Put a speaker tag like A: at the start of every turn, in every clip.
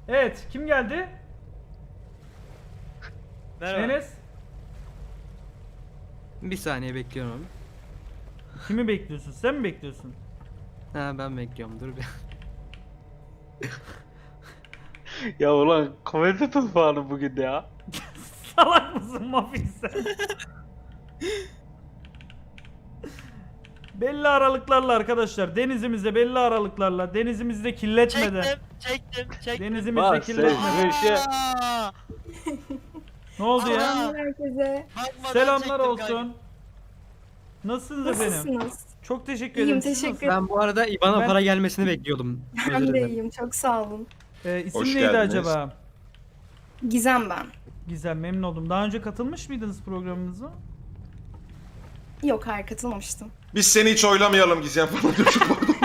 A: Evet, kim geldi?
B: Merhaba.
A: Enes.
C: Bir saniye bekliyorum abi.
A: Kimi bekliyorsun? Sen mi bekliyorsun?
C: Ha ben bekliyorum dur bir.
B: Ya ulan komedi tutmanı bugün ya.
A: Salak mısın Mafik sen? Belli aralıklarla arkadaşlar. Denizimizde belli aralıklarla. Denizimizde kirletmeden.
B: Çektim.
A: Denizimizde
B: Bak
A: kirletmeden.
B: Aa,
A: Ne oldu ya?
D: Selamlar herkese.
B: bakmadan
A: Selamlar
B: çektim
A: olsun. Nasılsınız efendim?
D: Nasılsınız?
A: Çok teşekkür
D: İyiyim,
A: ederim. Siz
D: teşekkür
A: nasılsınız?
C: Ben bu arada IBAN'a
A: Ben-
C: para gelmesini bekliyordum. Özür
D: Ben de
C: dilerim.
D: iyiyim. Çok sağ olun.
A: İsim
E: Hoş
A: neydi
E: geldiniz.
A: acaba?
D: Gizem ben.
A: Güzel, memnun oldum. Daha önce katılmış mıydınız programımıza?
D: Yok, hayır katılmamıştım.
E: Biz seni hiç oylamayalım Gizem falan diyor.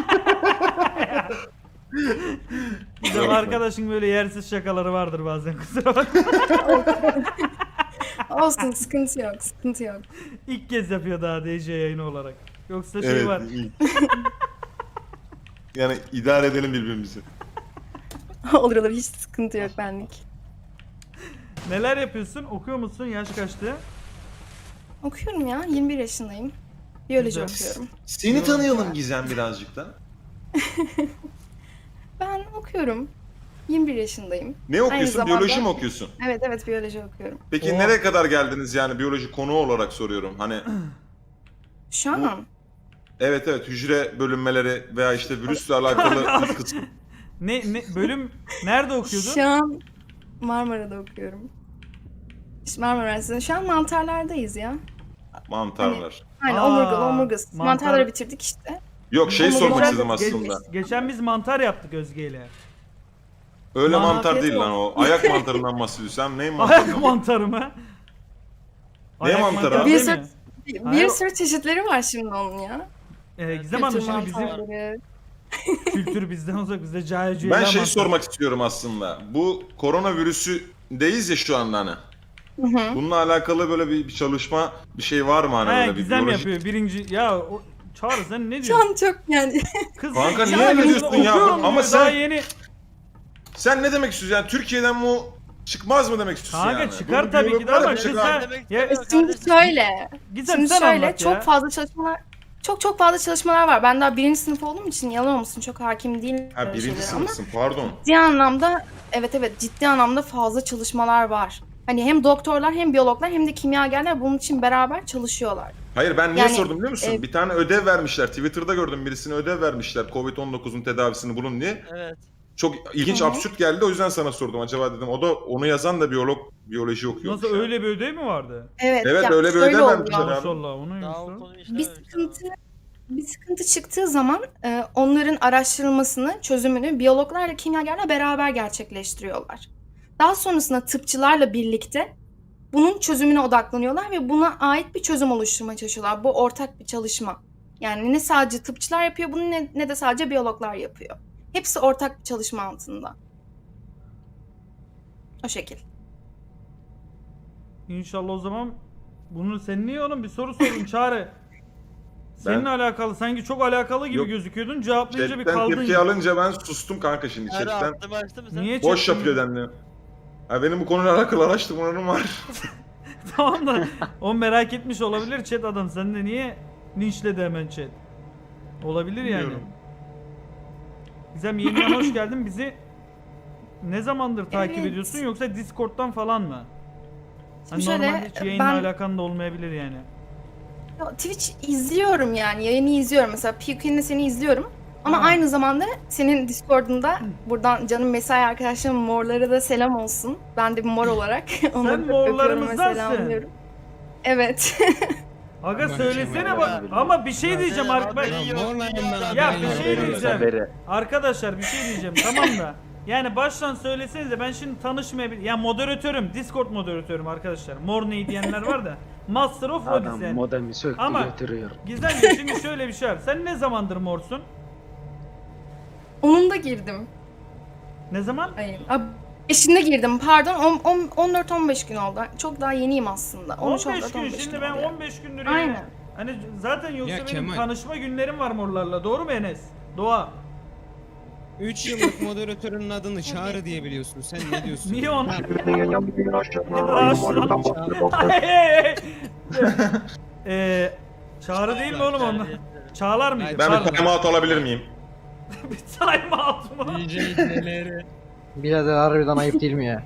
A: Bizim
E: Yok.
A: arkadaşın böyle yersiz şakaları vardır bazen, kusura bakma.
D: Olsun, sıkıntı yok, sıkıntı yok.
A: İlk kez yapıyor daha DJ yayını olarak. Yoksa şey
E: Evet.
A: var.
E: iyi. Yani idare edelim birbirimizi.
D: olur olur, hiç sıkıntı yok benlik.
A: Neler yapıyorsun? Okuyor musun? Yaş kaçtı?
D: Okuyorum ya, 21 yaşındayım. Biyoloji
A: Güzel.
D: okuyorum.
E: Seni tanıyalım Gizem birazcık da.
D: Ben okuyorum. 21 yaşındayım.
E: Ne okuyorsun?
D: zamanda-
E: Biyoloji mi okuyorsun?
D: Evet, biyoloji okuyorum.
E: Peki
A: Oo.
E: nereye kadar geldiniz yani biyoloji konu olarak soruyorum. Hani
D: Şu an
E: evet hücre bölünmeleri veya işte virüsle alakalı bir kısım.
A: Ne bölüm nerede okuyordun?
D: Şu an Marmara'da okuyorum. İşte Marmara Üniversitesi'nde. Şu an mantarlardayız ya.
E: Mantarlar.
D: Aynen,
A: Aa,
D: omurgası.
A: mantar-
D: Mantarları bitirdik işte.
E: Yok şey
D: Ama
E: sormak
D: geçen-
E: istedim aslında.
A: Geçen biz mantar yaptık Özge ile.
E: Öyle
A: Mantar
E: mantar değil
D: yok.
E: lan o. Ayak mantarından bahsediyorsun. Sen neyin mantarı?
A: Ayak mantarı mı? Ayak
E: mantarı abi?
D: Bir
A: değil
D: sürü,
A: mi?
D: bir
A: Hayır.
D: sürü çeşitleri var şimdi onun ya.
A: Gizem Hanım
D: Kültür
A: şimdi bizim
D: mantarları.
A: kültür bizden uzak, bizde cahil
E: Ben şey sormak istiyorum aslında. Bu koronavirüsüdeyiz ya şu anda hani.
D: Hı hı.
E: Bununla alakalı böyle bir çalışma bir şey var mı hani
A: He,
E: böyle bir
A: Gizem
E: biyolojik-
A: yapıyor birinci. Ya o, Çağrı sen ne
D: Şu
A: diyorsun?
D: an çok yani
A: Kız
E: Kanka
A: ya
E: niye öyle
A: ben
E: diyorsun ya?
A: okuyorum
E: Ama
A: diyor,
E: sen-
A: daha yeni.
E: Sen ne demek istiyorsun yani Türkiye'den bu çıkmaz mı demek istiyorsun
A: Kanka
E: yani?
A: çıkar
E: Böyle
A: tabii
E: biyolog
A: ki de
E: var ya,
A: ama
E: bir
A: kız
E: şey
A: sen...
B: Demek
A: Ya,
D: şimdi şöyle.
A: Gizem
D: Şimdi
A: sen
D: şöyle
A: anlat
D: çok
A: ya.
D: fazla çalışmalar çok fazla çalışmalar var. Ben daha birinci sınıf olduğum için yalan olsun çok hakim değilim.
E: Ha
D: böyle
E: birinci
D: şeylere ama
E: sınıfsın pardon.
D: ciddi anlamda evet ciddi anlamda fazla çalışmalar var. Hani hem doktorlar hem biyologlar hem de kimyagerler bunun için beraber çalışıyorlar.
E: Hayır ben niye
D: Yani,
E: sordum biliyor musun? Bir tane ödev vermişler. Twitter'da gördüm birisine ödev vermişler. Covid-19'un tedavisini bulun diye.
B: Evet.
E: Çok ilginç
D: Hı hı.
E: absürt geldi o yüzden sana sordum. Acaba dedim o da onu yazan da biyoloji okuyor.
A: Nasıl öyle bir ödev mi vardı?
D: Evet,
E: Evet,
D: ya
E: öyle bir
D: şöyle
E: ödev
D: oluyor.
E: vermişler abi.
A: Maşallah o neymiş
B: Daha o
A: lan?
B: konuyu
D: Bir
B: işlememiştim.
D: bir sıkıntı çıktığı zaman onların araştırılmasını, çözümünü biyologlarla kimyagerler beraber gerçekleştiriyorlar. Daha sonrasında tıpçılarla birlikte bunun çözümüne odaklanıyorlar ve buna ait bir çözüm oluşturmaya çalışıyorlar. Bu ortak bir çalışma. Yani ne sadece tıpçılar yapıyor bunu ne de sadece biyologlar yapıyor. Hepsi ortak bir çalışma altında. O şekil.
A: İnşallah o zaman bunu sen niye oğlum bir soru sorun Çağrı. Seninle alakalı sanki çok alakalı gibi
E: Yok.
A: gözüküyordun cevaplayınca bir
E: Chatten
A: kaldın.
E: tepki alınca ben sustum kanka şimdi
B: Çağrı
E: chatten.
B: attım açtı mı sen?
A: Niye
E: Boş
A: chatten-
E: yapıyor dendi. Ha benim bu konuyla alakalı araştırmalarım var.
A: Tamam da o merak etmiş olabilir chat adam. Sen de niye linçledi hemen chat? Olabilir yani.
E: Bilmiyorum.
A: Gizem yeniden hoş geldin. Bizi ne zamandır takip
D: Evet.
A: ediyorsun yoksa Discord'dan falan mı? Hani
D: Şimdi şöyle,
A: normalde hiç yayınla
D: ben-
A: alakan da olmayabilir yani.
D: Ya, Twitch izliyorum yani yayını izliyorum mesela PewDiePie'nin seni izliyorum ama
A: Ha.
D: aynı zamanda senin Discord'unda buradan canım mesai arkadaşlarım morlara da selam olsun. Ben de bir mor olarak onları öpüyorum ve
A: morlarımızdansın.
D: selamlıyorum. Evet.
A: Aga söylesene bak ama bir şey diyeceğim
B: Haberi yok.
A: Ya bir şey diyeceğim. Arkadaşlar bir şey diyeceğim tamam da. Yani baştan söyleseniz de ben şimdi tanışmayabilirim. Ya moderatörüm, Discord moderatörüm arkadaşlar. Mor ney diyenler var da. Master of Rodis
F: Adam
A: yani.
F: modemi söktü
A: Ama-
F: götürüyor.
A: Gizemciğim şimdi şöyle bir şey var. Sen ne zamandır morsun?
D: Onun da girdim.
A: Ne zaman?
D: Hayır. Eşinde girdim pardon 14-15 gün oldu. Çok daha yeniyim aslında.
A: 15
D: 13-14-15
A: gün. Şimdi ben
D: oluyor.
A: 15 gündür yani.
D: Aynen.
A: Hani zaten yoksa
G: Ya
A: benim
G: Kemal.
A: tanışma günlerim var morlarla. Doğru mu Enes? Doğa.
F: 3 yıllık moderatörünün adını Çağrı diye biliyorsun. Sen ne diyorsun?
A: Niye onu? Çağrı değil mi oğlum onlar? Çağlar mıydı?
E: Ben
A: Çağlar.
E: bir timeout alabilir miyim?
A: Bir time out mu?
F: DJ neleri?
G: Birader harbiden ayıp değil mi ya?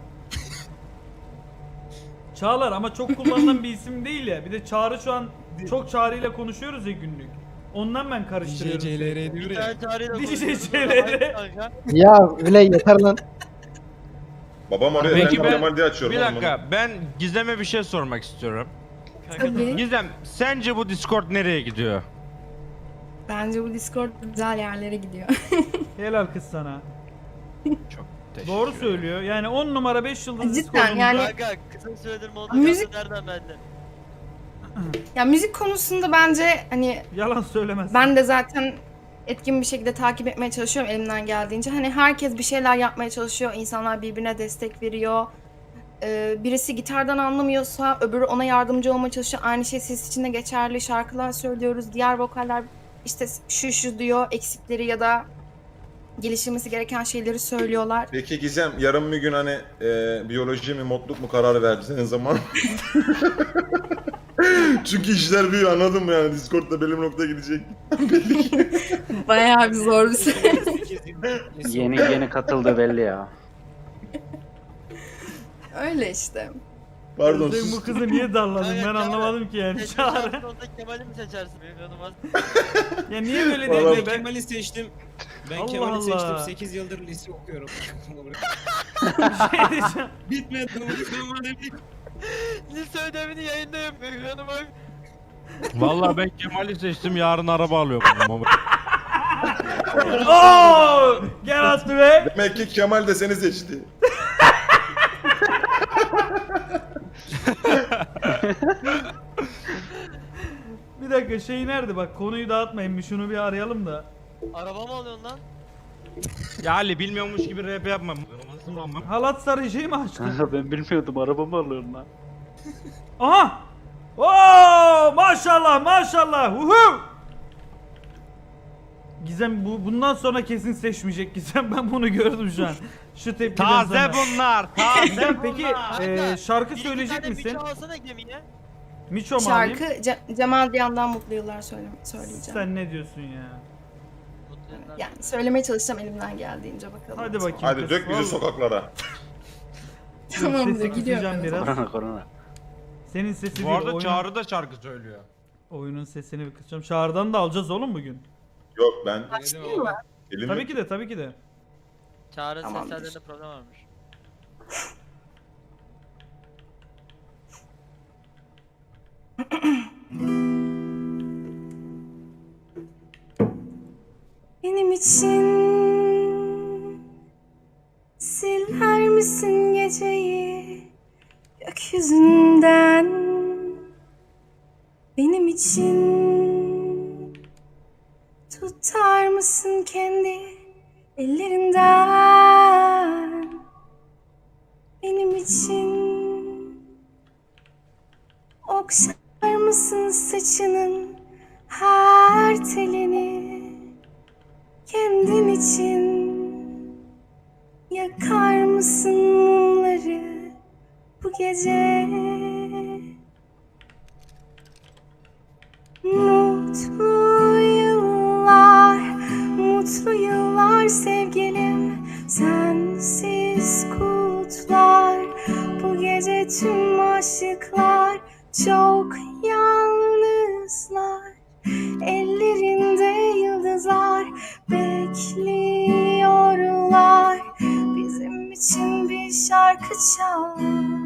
A: Çağlar ama çok kullanılan bir isim değil ya. Bir de Çağrı şu an çok Çağrı ile konuşuyoruz ya günlük. Ondan ben
F: DJ
A: karıştırıyorum.
F: CLR diyor ya.
A: DJ CLR.
G: Ya bile yeter lan.
E: Babam arıyor.
H: Peki
E: Ben
H: ben-
E: Kemal diye açıyorum.
H: Bir
E: oğlum
H: dakika, ben Gizem'e bir şey sormak istiyorum.
D: Tabii.
H: Gizem, sence bu Discord nereye gidiyor?
D: Bence bu Discord güzel yerlere gidiyor.
A: Helal kız sana.
H: Çok teşekkür
A: Doğru
H: ederim.
A: söylüyor. Yani 10 numara 5 yıldız
D: Cidden
A: Discord'umuzda.
D: yani
I: Kanka kısa süredir moda
D: Müzik-
I: nereden bende?
D: ya müzik konusunda bence hani
A: Yalan söylemez.
D: ben de zaten etkin bir şekilde takip etmeye çalışıyorum elimden geldiğince. Hani herkes bir şeyler yapmaya çalışıyor. İnsanlar birbirine destek veriyor. Birisi gitardan anlamıyorsa öbürü ona yardımcı olmaya çalışıyor. Aynı şey ses için de geçerli. Şarkılar söylüyoruz. Diğer vokaller işte şu diyor eksikleri ya da geliştirmesi gereken şeyleri söylüyorlar.
E: Peki Gizem yarın bir gün hani biyoloji mi modluk mu kararı verdiğin zaman? Çünkü işler büyüyor anladın mı yani Discord'da belli bir noktaya gidecek.
D: Bayağı bir zor bir şey.
B: Yeni katıldı belli ya.
D: Öyle işte.
E: Pardon
A: Sen
E: sus.
A: bu kızı niye darladın ben
I: Kanka,
A: anlamadım ki yani. Çağrı.
I: Sonunda Kemal'i mi seçersin benim yanıma?
A: Ya niye böyle
E: Vallahi
A: dedi
F: Ben
A: ben?
F: Kemal'i seçtim. Ben
A: Allah
F: Kemal'i
A: Allah.
F: seçtim. 8 yıldır lise okuyorum.
A: Şey diyeceğim.
F: Bitmedi. Bitmedi.
I: Lise ödevini yayında yapıyor yanıma.
H: Vallahi ben Kemal'i seçtim, yarın araba alıyorum.
A: Oh! Get out the way.
E: Demek ki Kemal de seni seçti.
A: Bir dakika şey nerede bak konuyu dağıtmayın bir şunu bir arayalım da.
I: Araba mı alıyorsun lan?
H: Ya Ali bilmiyormuş gibi rap yapma.
A: Halat sarıcıyı mı açtın?
B: Kanka ben bilmiyordum arabamı alıyorum lan.
A: Aha! Oo! Maşallah maşallah. Uhu! Gizem bundan sonra kesin seçmeyecek Gizem ben bunu gördüm şu an. Şu tepkiden
H: Taze
A: sonra.
H: bunlar, taze
A: Gizem peki
I: Kanka,
A: şarkı
I: Bir iki
A: söyleyecek
I: tane
A: misin?
I: bıçağı alsana gemiye.
A: Miço mu alayım?
D: Şarkı Cemal Diyan'dan Mutlu Yıllar söyleyeceğim.
A: Sen ne diyorsun ya?
D: Yani söylemeye çalışacağım elimden geldiğince bakalım.
A: Hadi bakayım.
E: Hadi
A: kız.
E: dök bizi
A: Vallahi.
E: sokaklara.
D: Tamamdır
A: Sesi
D: gidiyorum.
A: kısacağım biraz.
B: Korona korona.
A: Senin sesi
H: Bu
A: değil,
H: arada Çağrı da şarkı söylüyor.
A: oyunun sesini bir kısacağım. Çağrı'dan da alacağız oğlum bugün.
E: Yok ben
D: Başlayayım mı?
E: elim
A: Tabii ki de tabii ki de.
I: Çağrı
D: Tamamdır.
I: seslerinde problem varmış.
D: Benim için siler misin geceyi gökyüzünden? Benim için tutar mısın kendi ellerinden? Benim için okşar mısın saçının her telini? Kendin için yakar mısın mumları bu gece? Mutlu yıllar sevgilim, sensiz kutlar. Bu gece tüm aşıklar çok yalnızlar. Ellerinde yıldızlar bekliyorlar. Bizim için bir şarkı çal.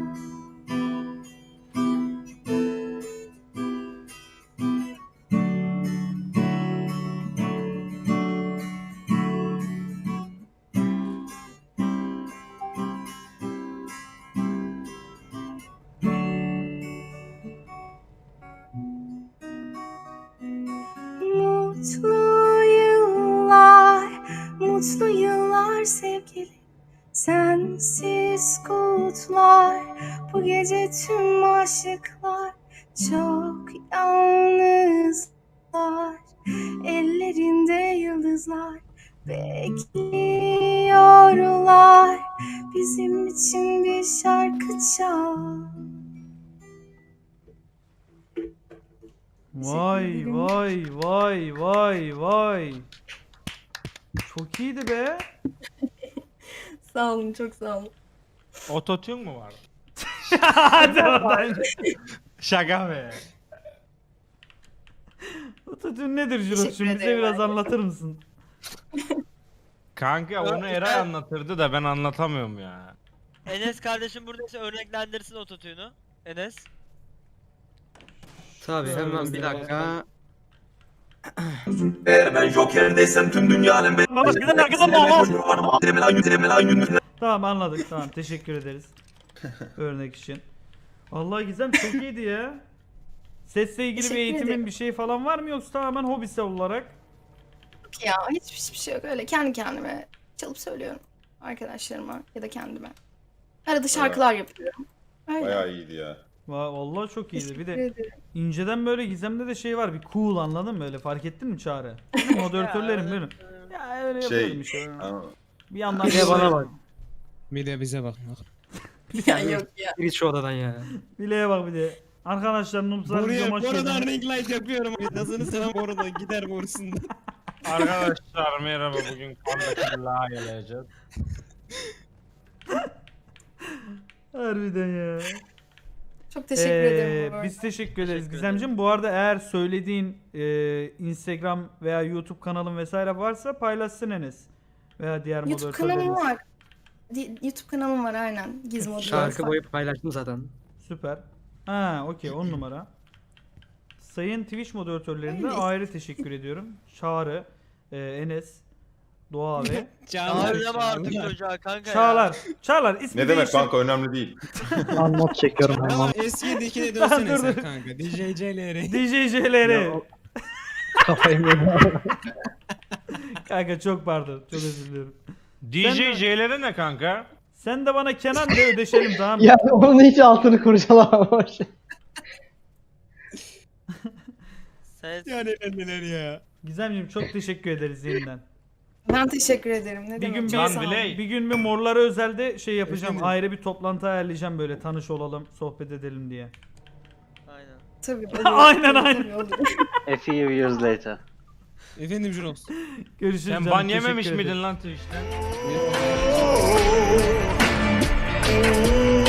D: Mutlu yıllar sevgilim, sensiz kutlar. Bu gece tüm aşıklar çok yalnızlar. Ellerinde yıldızlar Bekliyorlar bizim için bir şarkı çal.
A: Vay
D: ederim.
A: vay vay vay vay. Çok iyiydi be.
D: Sağ olun, çok sağ olun.
H: Ototune mu var?
A: Hadi oradan.
H: Şaka be.
A: Ototune nedir Jirok?
D: Teşekkür
A: Şimdi bize
D: ederim
A: biraz
D: abi.
A: anlatır mısın?
H: Kanka onu Eray anlatırdı da ben anlatamıyorum ya.
I: Enes kardeşim buradaysa örneklendirsin ototune'u. Enes.
C: Tabii hemen bir dakika.
A: Tamam anladık. Tamam teşekkür ederiz. Örnek için. Allah Gizem çok iyiydi ya. Sesle ilgili bir
D: Teşekkür
A: eğitimin
D: ederim.
A: bir şey falan var mı yoksa tamamen hobisi olarak?
D: Yok ya, hiçbir şey yok. Öyle kendi kendime çalıp söylüyorum. Arkadaşlarıma ya da kendime. Arada şarkılar yapıyorum. Öyle.
E: Bayağı iyiydi ya.
A: Vallahi çok iyiydi. Bir
D: Teşekkür
A: de
D: ederim.
A: inceden böyle Gizem'de de şey var. Bir cool anladın mı öyle? Fark ettin mi Çağrı? Moderatörlerim benim. Ya öyle yapıyorum işte.
E: Anladın mı?
A: Bir yandan
C: Bir de bana bak.
F: Bir de bize bak.
D: Ya yok ya.
C: Git şu odadan ya.
A: Bileğe bak bir de. Arkadaşlar Nubzar
F: Buraya
A: videoma
F: buradan ring light yapıyorum. Nasılsınız selam bu arada gider borusunda.
H: Arkadaşlar merhaba, bugün Kandakillah'a geleceğiz.
A: Harbiden ya.
D: Çok teşekkür ederim bu arada.
A: Biz teşekkür ederiz
I: Teşekkür
A: Gizemciğim. Bu arada eğer söylediğin Instagram veya YouTube kanalın vesaire varsa paylaşsın Enes. Veya diğer
D: YouTube kanalım
A: moderatörlerimiz.
D: var. YouTube kanalım var aynen. Gizmodo.
C: Şarkı boyu paylaştım zaten.
A: Süper. Ha okey 10 numara. Sayın Twitch moderatörlerine
D: Öyle.
A: ayrı teşekkür ediyorum. Çağrı, Enes, Doğa ve
I: Çağırma artık çocuğa kanka ya.
A: Çağlar. Çağlar ismi
E: Ne demek
A: değiştir.
E: kanka, önemli değil.
G: Not çekiyorum hemen.
F: Ama S7'dekine dönsene
A: Dur,
F: sen
A: dur.
F: kanka. DJ'leri.
A: DJ'leri.
G: Kafayı yedim.
A: Kanka çok pardon. Çok özür diliyorum.
H: DJ'lere ne kanka?
A: Sen de bana Kenan de ödeşelim tamam mı?
G: Ya onun hiç altını kurcalamamış.
I: Ses.
F: Yani neler ya.
A: Gizemciğim çok teşekkür ederiz yeniden.
D: Ben teşekkür ederim. Ne
A: Bir
D: demek?
A: gün
D: Çok
A: bir,
D: sağ olun.
H: Biley.
A: bir gün bir morlara özelde şey yapacağım.
F: Efendim?
A: Ayrı bir toplantı ayarlayacağım böyle tanış olalım, sohbet edelim diye.
I: Aynen.
D: Tabii. olur.
A: Aynen,
D: Tabii,
A: aynen.
D: tabii, olur.
B: A few years later.
F: Efendim Jurox.
A: Görüşürüz
H: Sen
A: canım,
H: ban
A: teşekkür
H: yememiş
A: ederim.
H: miydin lan Twitch'ten?